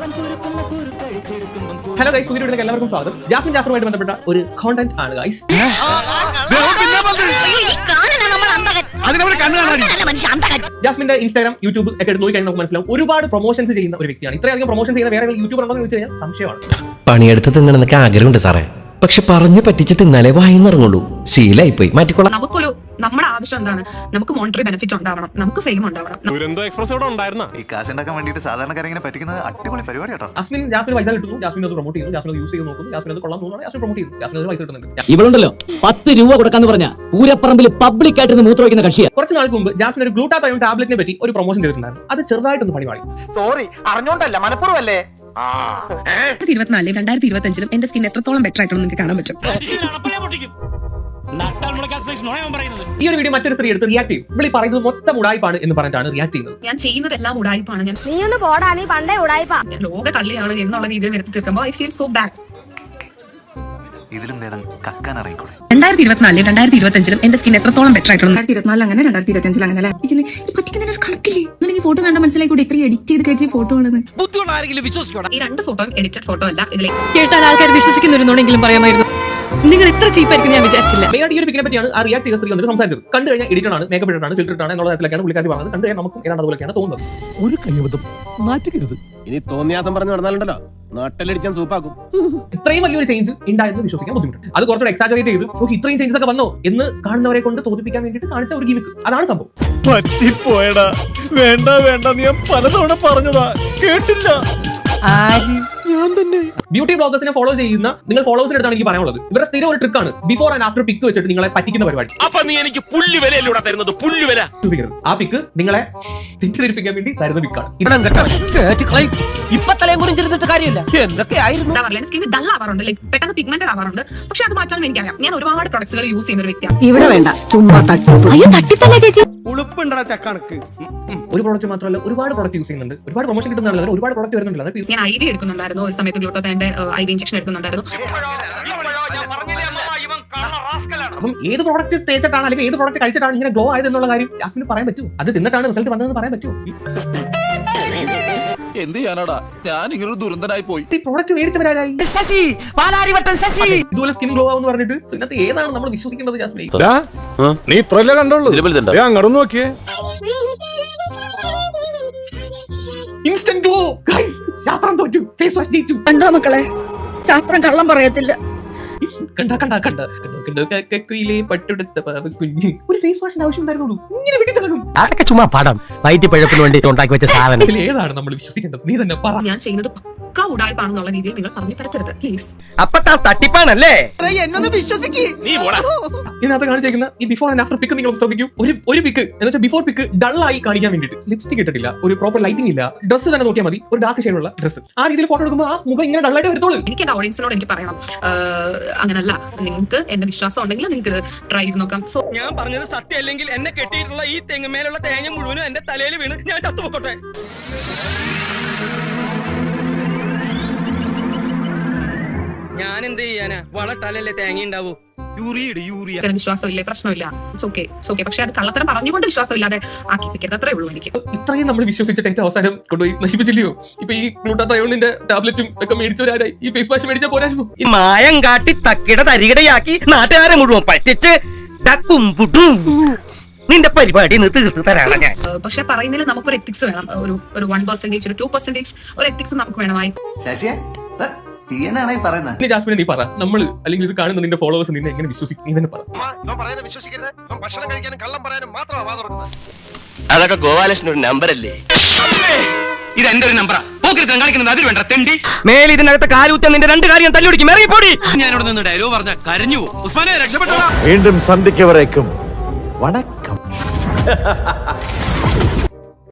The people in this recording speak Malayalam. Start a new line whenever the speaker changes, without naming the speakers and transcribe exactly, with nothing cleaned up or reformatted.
ഹലോ ഗൈസ്, പുതിയ വീഡിയോയിലേക്ക് എല്ലാവർക്കും സ്വാഗതം. ജാസ്മിൻ ജാഫറുമായിട്ട് ബന്ധപ്പെട്ട ഒരു കോണ്ടന്റ് ആണ് ഗൈസ്. ജാസ്മിന്റെ ഇൻസ്റ്റാഗ്രാം, യൂട്യൂബ് ഒക്കെ എടുത്ത് നോക്കി കഴിഞ്ഞാൽ നമുക്ക് മനസ്സിലാവും ഒരുപാട് പ്രൊമോഷൻസ് ചെയ്യുന്ന ഒരു വ്യക്തിയാണ്. ഇത്രയധികം പ്രൊമോഷൻ ചെയ്യുന്ന വേറെ യൂട്യൂബർ ഉണ്ടോ എന്ന് ചോദിച്ചു കഴിഞ്ഞാൽ സംശയമാണ്.
പണിയെടുത്ത് തിന്നണമെന്നൊക്കെ ആഗ്രഹമുണ്ട് സാറേ, പക്ഷെ പറഞ്ഞു പറ്റിച്ച് തിന്നാലേ വായിന്നിറങ്ങുള്ളൂ. ശീലായി പോയി, മാറ്റിക്കോളാം.
നമുക്കൊരു നമ്മുടെ ആവശ്യം എന്താണ്? നമുക്ക് മോണിറ്ററി ബെനിഫിറ്റ് ഉണ്ടാവണം, നമുക്ക് ഫെയിം ഉണ്ടാവണം.
ഈ കാശ് ഉണ്ടാക്കാൻ വേണ്ടിയിട്ട് സാധാരണക്കാരെ പറ്റിക്കുന്നത് അടിപൊളി പരിപാടി കേട്ടോ.
ജാസ്മിൻ ജാസ്മിൻ പൈസ കിട്ടുന്നു, ജാസ്മിൻ അത് പ്രൊമോട്ട് ചെയ്യുന്നു, ജാസ്മിൻ അത് യൂസ് ചെയ്ത് നോക്കുന്നു, ജാസ്മിൻ അത് കൊള്ളാൻ തോന്നുന്നു, ജാസ്മിൻ പ്രൊമോട്ട് ചെയ്യുന്നു, ജാസ്മിൻ അത് പൈസ കിട്ടുന്നുണ്ട്.
ഇവളുണ്ടല്ലോ പത്ത് രൂപ കൊടുക്കാന്ന് പറഞ്ഞ പൂരപ്പറമ്പിൽ പബ്ലിക് ആയിട്ട് മൂത്ര വയ്ക്കുന്ന കക്ഷിയാണ്.
കുറച്ച് നാൾക്ക് മുമ്പ് ജാസ്മിൻ ഒരു ഗ്ലൂട്ടാതയോൺ ടാബ്ലറ്റിനെ പറ്റി ഒരു പ്രൊമോഷൻ ചെയ്തിട്ടുണ്ടായിരുന്നു. അത് ചെറുതായിട്ടൊന്ന് പണിപാടി.
സോറി, അറിഞ്ഞോണ്ടല്ല, മനഃപൂർവ്വമല്ലേ.
ഇരുപത്തിനാലിലും രണ്ടായിരത്തി ഇരുപത്തി അഞ്ചിലും എന്റെ സ്കിൻ എത്രത്തോളം ബെറ്റർ ആയിട്ടാണ് നിങ്ങൾക്ക് കാണാൻ പറ്റും.
ഈ ഒരു വീഡിയോ മറ്റൊരു സ്ത്രീ എടുത്ത് റിയാക്ട് ചെയ്യും. ഇവിടെ പറയുന്നത് മൊത്തം ഉടായ്പാണ് എന്ന് പറഞ്ഞിട്ടാണ് റിയാക്ട് ചെയ്യുന്നത്.
ഞാൻ ചെയ്യുന്നതെല്ലാം ഉടായ്പാണ്, ഞാൻ
നീ ഒന്ന് പോടാ, നീ പണ്ടേ ഉടായ്പാ,
ലോക കള്ളിയാണ് എന്നുള്ള രീതിയിൽ വരുത്തി തീർക്കുമ്പോൾ ഐ ഫീൽ സോ ബാഡ്.
ഇതിലും ഭേദം കക്കാൻ അറിയിക്കൂടെ.
രണ്ടായിരത്തി ഇരുപത്തിനാലിലും രണ്ടായിരത്തി ഇരുപത്തി അഞ്ചിലും എന്റെ സ്കിൻ എത്രത്തോളം ബെറ്റർ ആയിട്ടുണ്ട്. രണ്ടായിരത്തി ഇരുപത്തിനാലിൽ അങ്ങനെ, രണ്ടായിരത്തി ഇരുപത്തി അഞ്ചിൽ അങ്ങനെ പറ്റിക്കുന്ന ഒരു കണക്കില്ലേ? ഈ ഫോട്ടോ കണ്ട മനസ്സിലായി കൂടി ഇത്രയും എഡിറ്റ് ചെയ്ത് കയറ്റിയ ഫോട്ടോ ആണെന്ന്. ഈ രണ്ട് ഫോട്ടോയും എഡിറ്റഡ് ഫോട്ടോ അല്ല. ഇതിലെ
കേട്ടാൽ ആൾക്കാർ വിശ്വസിക്കുന്നുണ്ടെങ്കിലും പറയാമായിരുന്നു. നിങ്ങൾ ഇത്ര ചീപ്പായിരിക്കും ഞാൻ വിചാരിച്ചില്ല.
മെയിനായിട്ട് ഈ ഒരു പിക്കിനെ പറ്റിയാണ് ആ റിയാക്ട് ചെയ്ത സ്ത്രീ വന്നിട്ട് സംസാരിച്ചത്. കണ്ടു കഴിഞ്ഞാൽ എഡിറ്റഡ് ആണ്, മേക്കപ്പ് ഇട്ടാണ്, ഫിൽറ്റർ ആണ് എന്നുള്ള തരത്തിലൊക്കെയാണ് പുള്ളിക്കാരി പറഞ്ഞത്. കണ്ടു കഴിഞ്ഞാൽ നമുക്കും ഏതാണ്ട് അതുപോലെയാണ് തോന്നുന്നത്.
ഒരു കയ്യബദ്ധം മാറ്റിക്കരുത്. ഇനി തോന്നിയാസം പറഞ്ഞു നടന്നാലുണ്ടല്ലോ നാട്ടിലടിച്ചാൻ സൂപ്പാക്കും. ഇത്രയും
വലിയൊരു ചേഞ്ച് ഉണ്ടായെന്ന് വിശ്വസിക്കാൻ ബുദ്ധിമുട്ട്. അത് കുറച്ചുകൂടെ എക്സാജറേറ്റ് ചെയ്ത് നോക്കി ഇത്രയും ചേഞ്ചസ് ഒക്കെ വന്നോ എന്ന് കാണുന്നവരെ കൊണ്ട് തോന്നിപ്പിക്കാൻ വേണ്ടിയിട്ട് കാണിച്ച ഒരു ഗിമിക്ക്. അതാണ് സംഭവം.
പറ്റിപ്പോയടാ, വേണ്ട വേണ്ട, നീ പലതവണ പറഞ്ഞതാ, കേട്ടില്ല. ഞാൻ തന്നെ
ബ്യൂട്ടി ബ്ലോഗേഴ്സിനെ ഫോളോ ചെയ്യുന്ന നിങ്ങൾ ഫോളോവേഴ്സിന്റെ അടുത്താണ് എനിക്ക് പറയാനുള്ളത്. ഇവരുടെ സ്ഥിരം ഒരു ട്രിക്കാണ് ബിഫോർ ആൻഡ് ആഫ്റ്റർ പിക്ക് വെച്ചിട്ട് നിങ്ങളെ പറ്റിക്കുന്ന പരിപാടി.
അപ്പൊ നീ എനിക്ക് പുല്ലുവിലൂടെ തരുന്നത് പുല്ലുവില.
ആ പിക്ക് നിങ്ങളെ തെറ്റിദ്ധരിപ്പിക്കാൻ വേണ്ടി തരുന്ന പിക്കാണ്.
ഇപ്പൊ തലയും കുറിച്ചിരുന്നിട്ട് കാര്യമില്ല. എന്തൊക്കെയായിരുന്നു
സ്കിൻ ഡൾ ആവാറുണ്ട്, ലൈക് പെട്ടെന്ന് പിഗ്മെന്റഡ് ആവാറുണ്ട്. പക്ഷെ അത് മാറ്റാൻ എനിക്കറിയാം. ഞാൻ ഒരുപാട് പ്രൊഡക്ട്സുകൾ യൂസ് ചെയ്യുന്ന ഒരു വ്യക്തിയാണ്.
ഇവിടെ വേണ്ട, ചുമ്മാ തട്ടിപ്പല്ല ചേച്ചി.
ഉളുപ്പുണ്ടടാ ചക്കണക്ക്.
ഒരു പ്രോഡക്റ്റ് മാത്രമല്ല, ഒരുപാട് പ്രോഡക്റ്റ് യൂസ് ചെയ്യുന്നുണ്ട്. ഒരുപാട് പ്രൊമോഷൻ കിട്ടുന്നതാണ്, ഒരുപാട് പ്രോഡക്റ്റ് വരുന്നുണ്ട്.
ഞാൻ ഐ വി എടുക്കുന്നുണ്ടായിരുന്നു ഒരു സമയത്ത്, ഗ്ലൂട്ടോത്തിന്റെ ഐ വി ഇഞ്ചക്ഷൻ എടുക്കുന്നുണ്ടായിരുന്നു.
അപ്പം ഏത് പ്രോഡക്റ്റ് തേച്ചിട്ടാണ് അല്ലെങ്കിൽ ഏത് പ്രോഡക്റ്റ് കഴിച്ചിട്ടാണ് ഇങ്ങനെ ഗ്ലോ ആയത് എന്നുള്ള കാര്യം ജാസ്മിന് പറയാൻ പറ്റും. അത് തിന്നിട്ടാണ് റിസൾട്ട് വന്നതെന്ന് പറയാൻ പറ്റും.
എന്ത് ചെയ്യാനാടാ, ഞാൻ ഇങ്ങനെ ദുരന്തനായി പോയി.
ഈ പ്രോഡക്റ്റ് മേടിച്ചവരായി ഇതുപോലെ സ്കിൻ ഗ്ലോ ആവെന്ന് പറഞ്ഞിട്ട് ഇതിനകത്ത് ഏതാണ് നമ്മൾ വിശ്വസിക്കേണ്ടത്? ജാസ്മിൻ,
നീ ഇത്രല്ലേ കണ്ടുള്ളൂ, അങ്ങോട്ട് നോക്കിയേ.
ഇൻസ്റ്റന്റ് ഗ്ലോ ഗയ്സ്, ശാസ്ത്രം തോറ്റു, ഫേസ് വാഷ് ജയിച്ചു.
കണ്ടോ മക്കളെ, ശാസ്ത്രം കള്ളം പറയത്തില്ല.
കണ്ട കണ്ട കണ്ട കുയിലെ പട്ടെടുത്ത കുഞ്ഞ് ഒരു ഫേസ് വാഷിന് ആവശ്യം ഉണ്ടായിരുന്നുള്ളൂ. ഇങ്ങനെ വെടി തുടങ്ങും.
അതൊക്കെ ചുമ്മാ പടം വയറ്റിപ്പഴപ്പിന് വേണ്ടി ഉണ്ടാക്കി വെച്ച സാധനം.
ഇതിൽ ഏതാണ് നമ്മൾ വിശ്വസിക്കേണ്ടത്? നീ തന്നെ പറ.
ഞാൻ ചെയ്യുന്നത് പക്ക ഉടായ്പാണെന്നുള്ള രീതിയിൽ നിങ്ങൾ പറഞ്ഞു പരത്തരുത് പ്ലീസ്.
അപ്പൊ തട്ടിപ്പാണല്ലേ?
ഇതിനകത്ത് കാണിച്ചേക്കുന്ന ഈ ബിഫോർ ആൻഡ് ആഫ്റ്റർ പിക്ക് നിങ്ങൾ ശ്രദ്ധിക്കൂ. ഒരു ഒരു പിക്ക് എന്ന് വെച്ചാൽ ബിഫോർ പിക്ക് ഡൾ ആയി കാണിക്കാൻ വേണ്ടിയിട്ട് ലിപ്സ്റ്റിക് ഇട്ടിട്ടില്ല, ഒരു പ്രോപ്പർ ലൈറ്റിംഗ് ഇല്ല, ഡ്രസ്സ് തന്നെ നോക്കിയാൽ മതി, ഒരു ഡാർക്ക് ഷെയ്ഡുള്ള ഡ്രസ്സ്. ആ രീതിയിൽ ഫോട്ടോ എടുക്കുമ്പോൾ ആ മുഖം ഇങ്ങനെ ഡള്ളായിട്ട് വരത്തോളൂ.
എനിക്ക് എന്റെ ഓഡിയൻസിനോട് എനിക്ക് പറയണം, അങ്ങനല്ല, നിങ്ങൾക്ക് എന്റെ വിശ്വാസം ഉണ്ടെങ്കിൽ നിങ്ങൾക്ക് ട്രൈ ചെയ്ത് നോക്കാം. സോ
ഞാൻ പറഞ്ഞത് സത്യം അല്ലെങ്കിൽ എന്നെ കെട്ടിയിട്ടുള്ള ഈ തെങ്ങുമേലുള്ള തേങ്ങ മുഴുവനും എന്റെ തലയിൽ വീണ് ഞാൻ ചത്തുപോട്ടെ. ഞാൻ എന്ത് ചെയ്യാനാ, വളട്ടാലല്ലേ തേങ്ങ ഉണ്ടാവൂ. യൂറിയ യൂറിയ
വിശ്വാസമില്ലേ, പ്രശ്നമില്ല, ഇറ്റ്സ് ഓക്കെ, ഇറ്റ്സ് ഓക്കെ. പക്ഷെ അത് കള്ളത്തരം പറഞ്ഞുകൊണ്ട് വിശ്വാസമില്ലാതെ ആക്കിപ്പിക്കരുത്, അത്രേ ഉള്ളൂ എനിക്ക്.
ഇത്രയും നമ്മൾ വിശ്വസിച്ചിട്ട് ഏറ്റവും അവസാനം കൊണ്ടുപോയി നശിപ്പിച്ചില്ലയോ? ഇപ്പൊ ഈ ഗ്ലൂട്ടാതയോണിന്റെ ടാബ്ലറ്റും ഒക്കെ മേടിച്ചവരായി ഈ ഫേസ് വാഷ് മേടിച്ചാൽ പോരായിരുന്നു.
മായം കാട്ടി തക്കിട തരികിടയാക്കി നാട്ടുകാരെ മുഴുവൻ പറ്റിച്ച് ഡക്കും പുട്ടും നിന്റെ പരിപാടി തീർത്ത് തരാണ് ഞാൻ.
പക്ഷെ പറയുന്നതിൽ നമുക്കൊരു എത്തിക്സ് വേണം. ഒരു ഒരു വൺ പെർസെന്റേജ് ഒരു ടു പെർസെന്റേജ് ഒരു എത്തിക്സ് നമുക്ക് വേണമായി.
ജാസ്മിനെ നീ പറ, നമ്മൾ അല്ലെങ്കിൽ ഇത് കാണുന്ന നിന്റെ ഫോളോവേഴ്സ് നിന്നെ എങ്ങനെ വിശ്വസിക്കും? നീ തന്നെ പറ.
അതൊക്കെ ഗോപാലകൃഷ്ണൻ ഒരു നമ്പർ അല്ലേ? ഇത് എന്റെ ഒരു നമ്പറാ. കാണിക്കുന്നത് അതിൽ വേണ്ട തെണ്ടി.
മേലെ ഇതിനകത്ത് കാലൂത്ത നിന്റെ രണ്ട് കാര്യം തല്ലുപിടിക്കും. ഇറങ്ങിപ്പോടി.
ഞാനിവിടെ നിന്ന് ഡയലോഗ് പറഞ്ഞ കരഞ്ഞു. ഉസ്മാനെ രക്ഷപ്പെട്ടോ.
വീണ്ടും സന്ധിക്കവരേക്കും വണക്കം.